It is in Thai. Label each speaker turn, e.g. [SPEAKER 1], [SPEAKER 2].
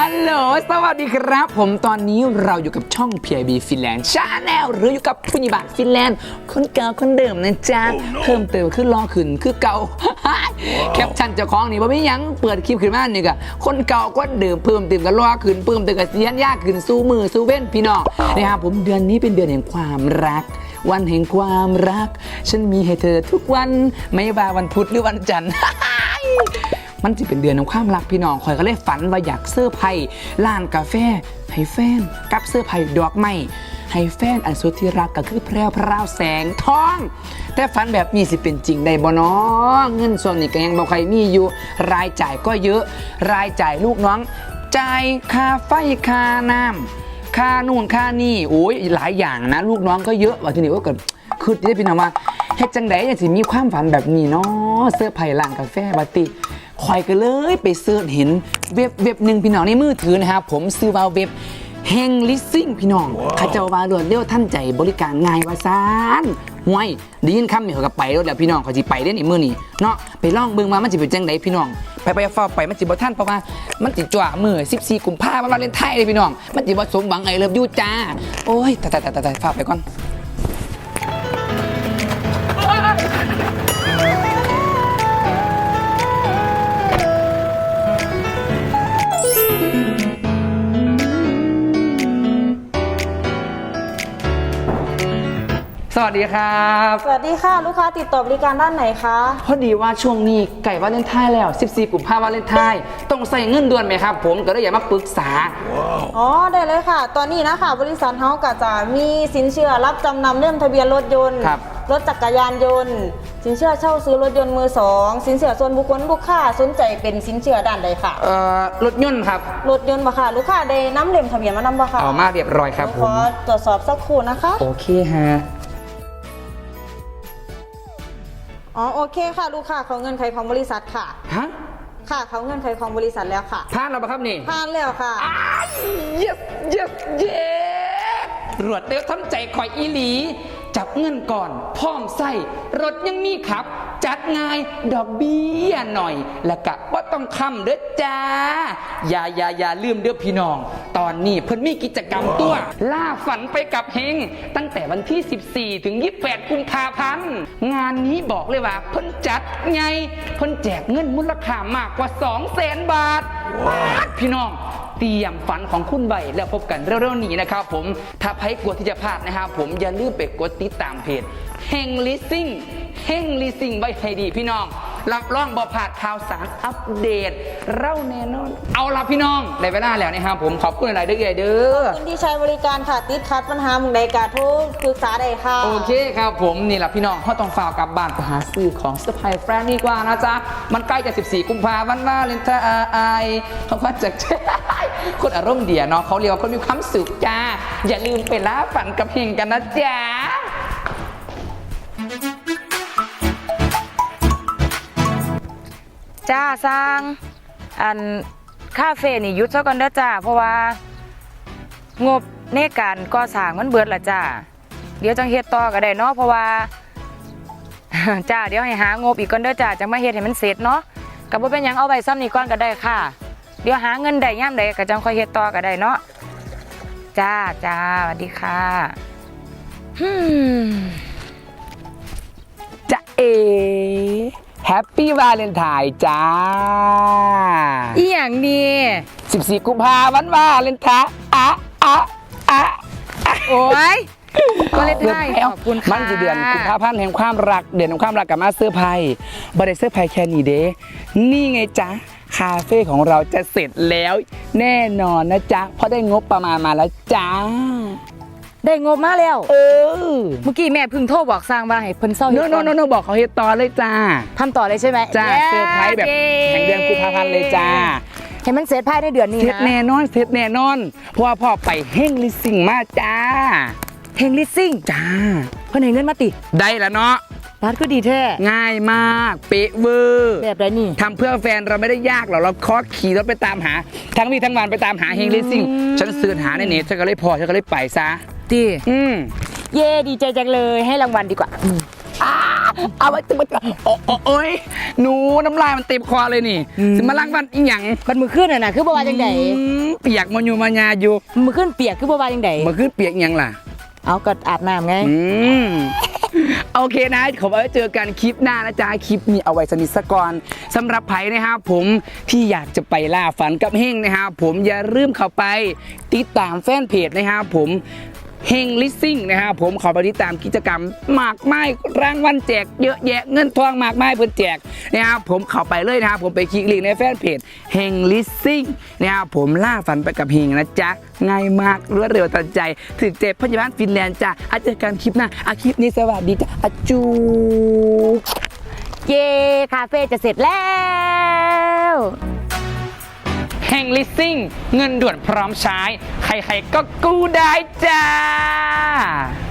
[SPEAKER 1] ฮัลโหลสวัสดีครับผมตอนนี้เราอยู่กับช่อง PIB Finland Channel หรืออยู่กับผู้นิบาตฟินแลนด์คนเก่าคนเดิมนะจ๊ะ เพิ่มเติมขึ้นรอขึ้นคือเก่า แคปชั่นเจ้าของนี่บ่มีหยังเปิดคลิปขึ้นมานี่ก็คนเก่าก็เดิมเพิ่มเติมกันรอขึ้นเพิ่มเติมกันเสียนยากขึ้นสู้มือสู้เว้นพี่น้องนะครับผมเดือนนี้เป็นเดือนแห่งความรักวันแห่งความรักฉันมีให้เธอทุกวันไม่ว่าวันพุธหรือวันจันทร์ มันจะเป็นเดือนของความรักพี่น้องคอยก็เลยฝันว่าอยากเสื้อไผ่ร้านกาแฟให้แฟนกับเสื้อไผ่ดอกไม้ให้แฟนอันสุดที่รักก็คือแพรวพราวแสงทอง แต่ฝันแบบนี้สิเป็นจริงได้บ่น้องเงินส่วนนี้ก็ยังบ่ใครมีอยู่รายจ่ายก็เยอะรายจ่ายลูกน้องจ่ายค่าไฟค่าน้ำค่านู่นค่านี่โอ้ยหลายอย่างนะลูกน้องก็เยอะว่าทีนี้ว่าเกิดคือได้พี่น้องว่าเฮ็ดจังไดอย่างสิมีความฝันแบบนี้เนาะเสื้อไผ่ร้านกาแฟบัดติคอยก็เลยไปเสิร์ชเห็นเว็บหนึ่งพี่น้องในมือถือนะครับผมซื้อว่าเว็บเฮงลิสซิ่งพี่น้องข้าเจ้าวารวดเร็วท่านใจบริการง่ายว่าซานห่วยได้ยินคำนี่เขาก็ไปแล้วแหละพี่น้องเขาสิไปเล่นอีกมื้อนี้เนาะไปลองเบิ่งมามันสิเป็นจังไดพี่น้องไปฟ้าไปมันสิบ่ทันเพราะว่ามันสิจ่อมื้อ14กุมภาพันธ์วันวาเลนไทน์เลยพี่น้องมันสิบ่สมหวังไอ้เลิฟยูจ้าโอ้ยตายฟ้าไปก่อนสวัสดีครับ
[SPEAKER 2] สวัสดีค่ะลูกค้าติดต่อบริการด้านไหนคะ
[SPEAKER 1] พอดีว่าช่วงนี้ไก่วาเลนไทน์แล้ว14กุมภาพันธ์วาเลนไทน์ต้องใส่เงินด่วนไหมครับผมก็เลยอยากมาปรึกษา
[SPEAKER 2] อ๋อได้เลยค่ะ ตอนนี้นะคะบริษัทเฮาก็จะมีสินเชื่อรับจำนำเล่มทะเบียนรถยนต์รถจักรยานยนต์สินเชื่อเช่าซื้อรถยนต์มือสองสินเชื่อส่วนบุคคลลูกค้าสนใจเป็นสินเชื่อด้านใดค่ะ
[SPEAKER 1] รถยนต์ครับ
[SPEAKER 2] รถยนต์บ่ค่ะลูกค้าได้นำเล่มทะเบียนมานำบ่ค่ะ
[SPEAKER 1] เอามาเรียบร้อยครับผม
[SPEAKER 2] ขอตรวจสอบสักครู่นะคะ
[SPEAKER 1] โอเคฮะ
[SPEAKER 2] อ๋อโอเคค่ะลูกค้าเขาเงินไขของบริษัทค่ะ
[SPEAKER 1] ฮะ
[SPEAKER 2] ค่ะเขาเงินไขของบริษัทแล้วค่ะ
[SPEAKER 1] ผ่านแล้วปะครับนี่
[SPEAKER 2] ผ่านแล้วค่ะ
[SPEAKER 1] เย้รวดเร็วทำใจคอยอีหลีจับเงินก่อนพร้อมใส่รถยังมีขับจัดง่ายดอกเบี้ยหน่อยและกะว่าต้องคำเด้อจ้าอย่าลืมเด้อพี่น้องตอนนี้เพิ่นมีกิจกรรมตัวล่าฝันไปกับเฮงตั้งแต่วันที่14ถึง28กุมภาพันธ์งานนี้บอกเลยว่าเพิ่นจัดไงเพิ่นแจกเงินมูลค่ามากกว่า 200,000 บาทพี่น้องเตรียมฝันของคุณไว้แล้วพบกันเร็วๆนี้นะครับผมถ้าใครกลัวที่จะพลาดนะครับผมอย่าลืมไปกดติดตามเพจเฮงลิสซิ่งไว้ให้ดีพี่น้องรับรองบ่พลาดข่าวสารอัปเดตเล่าแน่นอนเอาล่ะพี่น้องได้เวลาแล้วนะครับผมขอบคุณหลายๆเด้อ
[SPEAKER 2] ขอบคุณที่ใช้บริการค่ะติดขัดปัญหามุงใดกาโทรปรึกษาได้ค่ะ
[SPEAKER 1] โอเคครับผมนี่แหละพี่น้องเขาต้องฝากกลับบ้านไปหาซื้อของเซอร์ไพรส์แฟนดีกว่านะจ๊ะมันใกล้จะ14กุมภาพันธ์วาเลนไทน์เขาก็จะคนอารมณ์เดียเนาะเขาเรียกว่าคนมีความสุขจ้าอย่าลืมไปล่าฝันกับเฮงกันนะจ๊ะ
[SPEAKER 3] จ้าสร้างอันคาเฟ่นี่หยุดซะก่อนเด้อจ้าเพราะว่างบในการก่อสร้างมันเบิดละจ้าเดี๋ยวจังเฮ็ดต่อก็ได้เนาะเพราะว่า จ้าเดี๋ยวให้หางบอีกก่อนเด้อจ้าจังมาเฮ็ดให้มันเสร็จเนาะก็บ่เป็นหยังเอาไว้ซ้ำนี่ก่อนก็ได้ค่ะเดี๋ยวหาเงินได้ยามใดก็จังค่อยเฮ็ดต่อก็ได้เนาะจ้าสวัสดีค่ะ
[SPEAKER 1] จะแฮปปี้วาเลนไทน์จ้า
[SPEAKER 3] อีหยังนี่
[SPEAKER 1] 14กุมภาพันธ์วาเลนไทน์
[SPEAKER 3] โอ้ยวาเลนไทน์ขอบคุณค่ะ
[SPEAKER 1] มันจะเดือนกุมภาพันธ์แห่งความรักเดือนแห่งความรักกับมาเสื้อไผ่บริเสื้อไผ่แค่นี้เด้นี่ไงจ๊ะคาเฟ่ของเราจะเสร็จแล้วแน่นอนนะจ๊ะเพราะได้งบประมาณมาแล้วจ้า
[SPEAKER 3] ได้งบมาแล้วเมื่อกี้แม่พึ่งโทรบอกสร้างว่าให้เพิ่นเศร้า
[SPEAKER 1] โนบอกเขาเฮ็ดต่อเลยจ้า
[SPEAKER 3] ทำต่อเลยใช่ไหม
[SPEAKER 1] จ้าเซอร์ไพรส์แบบแห่งเดือนกุมภาพันธ์เลยจ้า
[SPEAKER 3] ให้มันเสร็จภายในเดือนนี้นะ
[SPEAKER 1] เสร็จแน่นอนเพราะว่าพ่อไปเฮงลิสซิ่งมาจ้า
[SPEAKER 3] เฮงลิสซิ่ง
[SPEAKER 1] จ้า
[SPEAKER 3] เพิ่นให้เงินมาติ
[SPEAKER 1] ได้แล้วเนาะ
[SPEAKER 3] ร้านก็ดีแท้
[SPEAKER 1] ง่ายมากเป๊ะเวอร์
[SPEAKER 3] แบบไรนี่
[SPEAKER 1] ทำเพื่อแฟนเราไม่ได้ยากหรอกเราขอขี่รถไปตามหาทั้งวี่ทั้งวันไปตามหาเฮงลิสซิ่งฉันเสิร์ชหาในเน็ตฉันก็เลยไปซะ
[SPEAKER 3] ดี
[SPEAKER 1] เย่
[SPEAKER 3] ดีใจจังเลยให้รางวัลดีกว่า
[SPEAKER 1] เอาไว้ตึงโอ้ยหนูน้ำลายมันเต็มคอเลยนี่สิมาล้างบ้านอีหยัง
[SPEAKER 3] มันมือขึ้นน่ะคือบ่ว่าจังได๋
[SPEAKER 1] เปียกมันอยู่มายาอยู่
[SPEAKER 3] มือขึ้นเปียกคือบ่ว่าจังได๋
[SPEAKER 1] มันขึ้นเปียกอีหยังล่ะ
[SPEAKER 3] เอาก็อาบน้ำไง
[SPEAKER 1] โอเคนะขอไว้เจอกันคลิปหน้านะจ๊ะคลิปนี้เอาไว้สนิทสกอนสำหรับไผ่นะครับผมที่อยากจะไปล่าฝันกับเฮงนะครับผมอย่าลืมเข้าไปติดตามแฟนเพจนะครับผมเฮงลิสซิ่งนะครับผมขอไปติดตามกิจกรรมมากมายรางวัลแจกเยอะแยะเงินทองมากมายเพื่อแจกนะครับผมเข้าไปเลยนะครับผมไปคลิกลิงก์ในแฟนเพจเฮงลิสซิ่งนะครับผมล่าฝันไปกับเฮงนะจ๊ะง่ายมากรวดเร็วทันใจถึงเจ็บพยาบาลฟินแลนด์จ้ะอาเจอกันคลิปหน้าคลิปนี้สวัสดีจ้ะอาจู
[SPEAKER 3] เย้คาเฟ่จะเสร็จแล้ว
[SPEAKER 1] แห่งลิสซิ่งเงินด่วนพร้อมใช้ ใครๆก็กู้ได้จ้า